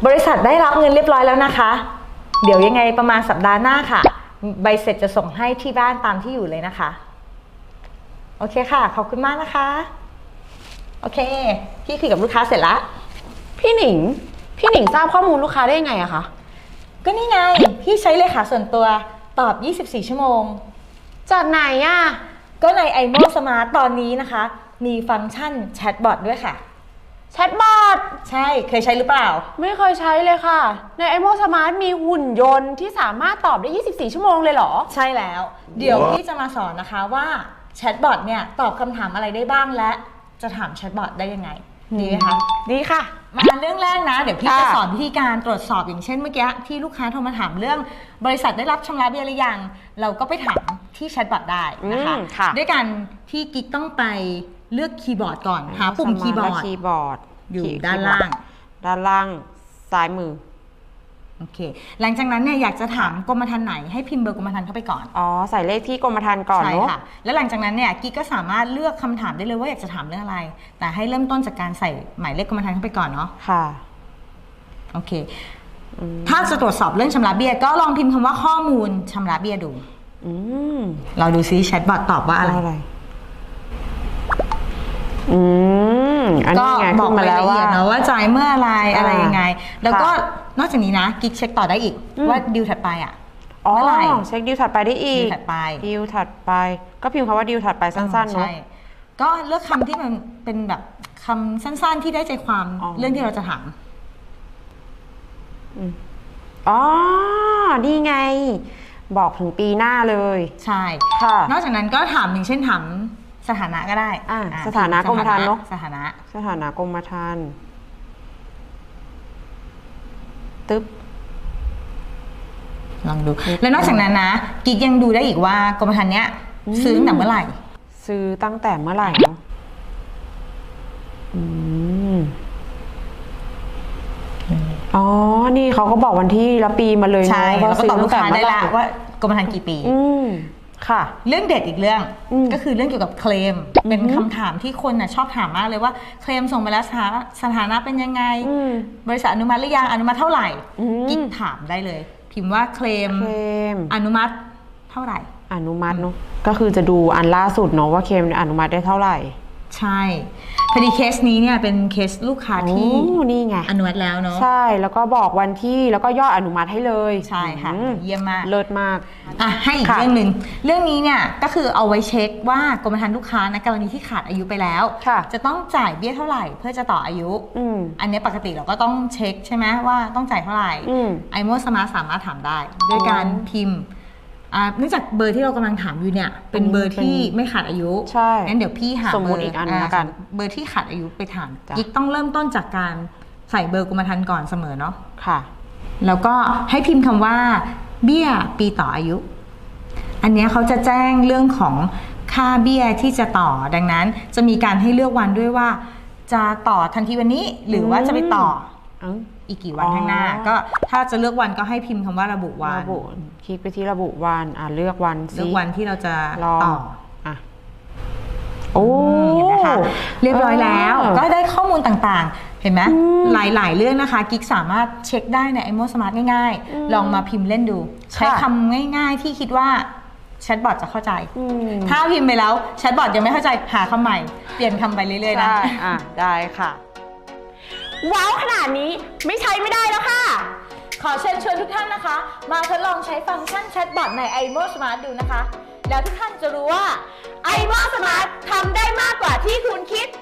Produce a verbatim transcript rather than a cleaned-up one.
บริษัทได้รับเงินเรียบร้อยแล้วนะคะเดี๋ยวยังไงประมาณสัปดาห์หน้าค่ะใบเสร็จจะส่งให้ที่บ้านตามที่อยู่เลยนะคะโอเคค่ะขอบคุณมากนะคะโอเคพี่คุยกับลูกค้าเสร็จแล้วพี่หนิงพี่หนิงทราบข้อมูลลูกค้าได้ยังไงอะคะก็นี่ไงพี่ใช้เลขาส่วนตัวตอบยี่สิบสี่ชั่วโมงจากไหนอะก็ใน ไอ โม Smart ตอนนี้นะคะมีฟังก์ชันแชทบอทด้วยค่ะแชทบอทใช่เคยใช้หรือเปล่าไม่เคยใช้เลยค่ะใน ไอ โม Smart มีหุ่นยนต์ที่สามารถตอบได้ยี่สิบสี่ชั่วโมงเลยเหรอใช่แล้วเดี๋ยวพี่จะมาสอนนะคะว่าแชทบอทเนี่ยตอบคำถามอะไรได้บ้างและจะถามแชทบอทได้ยังไงดีไหมคะดีค่ะมาเรื่องแรกนะเดี๋ยวพี่จะสอนวิธีการตรวจสอบอย่างเช่นเมื่อกี้ที่ลูกค้าโทรมาถามเรื่องบริษัทได้รับชำระเบี้ยหรือยังเราก็ไปถามที่แชทบอทได้นะคะด้วยการที่กิ๊กต้องไปเลือกคีย์บอร์ดก่อนหาปุ่มคีย์บอร์ดคีย์บอร์ดอยู่ด้านล่างด้านล่างซ้ายมือโอเคหลังจากนั้นเนี่ยอยากจะถามกรมธรรม์ไหนให้พิมพ์เบอร์กรมธรรม์เข้าไปก่อนอ๋อใส่เลขที่กรมธรรม์ก่อนเนาะใช่ค่ะแล้วหลังจากนั้นเนี่ยกิ๊กก็สามารถเลือกคำถามได้เลยว่าอยากจะถามเรื่องอะไรแต่ให้เริ่มต้นจากการใส่หมายเลขกรมธรรม์เข้าไปก่อนเนาะค่ะโอเคถ้าจะตรวจสอบเรื่องชำระเบี้ยก็ลองพิมพ์คำว่าข้อมูลชำระเบี้ยดูเราดูซิแชทบอทตอบว่าอะไรอืมอันนี้ไงบอกมาแล้วว่านะว่าจ่ายเมื่ออะไรอะไรยังไงแล้วก็นอกจากนี้นะกิ๊กเช็คต่อได้อีกว่าดิวถัดไปอ่ะอ๋อเช็คดิวถัดไปได้อีกดิวถัดไปดิวถัดไปก็พิมพ์คำว่าดิวถัดไปสั้นๆเนาะก็เลือกคำที่มันเป็นแบบคำสั้นๆที่ได้ใจความเรื่องที่เราจะถามอ๋อนี่ไงบอกถึงปีหน้าเลยใช่ค่ะนอกจากนั้นก็ถามอย่างเช่นถามสถานะก็ได้สถานะกรมธรรม์เนาะสถานะสถานะกรมธรรม์ตึ๊บลองดูแล้วนอกจากนั้นนะกิ๊กยังดูได้อีกว่ากรมธรรม์เนี้ยซื้อตั้งแต่เมื่อไหร่ซื้อตั้งแต่เมื่อไหร่เนาะอ๋อนี่เขาก็บอกวันที่และปีมาเลยเนาะว่าซื้อตั้งแต่เมื่อไหร่ว่ากรมธรรม์กี่ปีค่ะเรื่องเด็ดอีกเรื่องก็คือเรื่องเกี่ยวกับเคลมเป็นคำถามที่คนน่ะชอบถามมากเลยว่าเคลมส่งไปแล้วสถานะเป็นยังไงบริษัทอนุมัติหรือยังอนุมัติเท่าไหร่กิ๊กถามได้เลยพิมพ์ว่าเคลมอนุมัติเท่าไหร่อนุมัติเนาะก็คือจะดูอันล่าสุดเนาะว่าเคลมอนุมัติได้เท่าไหร่ใช่พอดีเคสนี้เนี่ยเป็นเคสลูกค้าที่นี่ไงอนุมัติแล้วเนาะใช่แล้วก็บอกวันที่แล้วก็ยอดอนุมัติให้เลยใช่ค่ะเยี่ยมมากเลิศมากอ่ะให้อีกเรื่องหนึ่งเรื่องนี้เนี่ยก็คือเอาไว้เช็คว่ากรมธรรม์ลูกค้าในกรณีที่ขาดอายุไปแล้วจะต้องจ่ายเบี้ยเท่าไหร่เพื่อจะต่ออายุอันนี้ปกติเราก็ต้องเช็คใช่ไหมว่าต้องจ่ายเท่าไหร่ ไอ โม Smart สามารถถามได้ด้วยการพิมพ์เนื่องจากเบอร์ที่เรากำลังถามอยู่เนี่ยเป็นเบอร์ที่ไม่ขาดอายุใช่งั้นเดี๋ยวพี่หาสมมติอีกอันละกันเบอร์ที่ขาดอายุไปถามกิ๊กต้องเริ่มต้นจากการใส่เบอร์กรมธรรม์ก่อนเสมอเนาะค่ะแล้วก็ให้พิมพ์คำว่าเบี้ยปีต่ออายุอันนี้เขาจะแจ้งเรื่องของค่าเบี้ยที่จะต่อดังนั้นจะมีการให้เลือกวันด้วยว่าจะต่อทันทีวันนี้หรือว่าจะไปต่ออีกกี่วันข้างหน้าก็ถ้าจะเลือกวันก็ให้พิมพ์คำว่าระบุวันระบุคลิกไปที่ระบุวันอ่าเลือกวันเลือกวันที่เราจะต่ออ่ะโอ้เห็นไหมคะเรียบร้อยแล้วก็ได้ข้อมูลต่างๆเห็นไหมหลายๆเรื่องนะคะกิ๊กสามารถเช็คได้ใน ไอ โม Smart ง่ายๆลองมาพิมพ์เล่นดูใช้คำง่ายๆที่คิดว่าแชทบอทจะเข้าใจถ้าพิมพ์ไปแล้วแชทบอทยังไม่เข้าใจหาคำใหม่เปลี่ยนคำไปเรื่อยๆนะอ่ะได้ค่ะว้าวขนาดนี้ไม่ใช้ไม่ได้แล้วค่ะขอเชิญชวนทุกท่านนะคะมาทดลองใช้ฟังก์ชันแชทบอทใน ไอ โม Smart ดูนะคะแล้วทุกท่านจะรู้ว่าไอ โม Smart ทำได้มากกว่าที่คุณคิด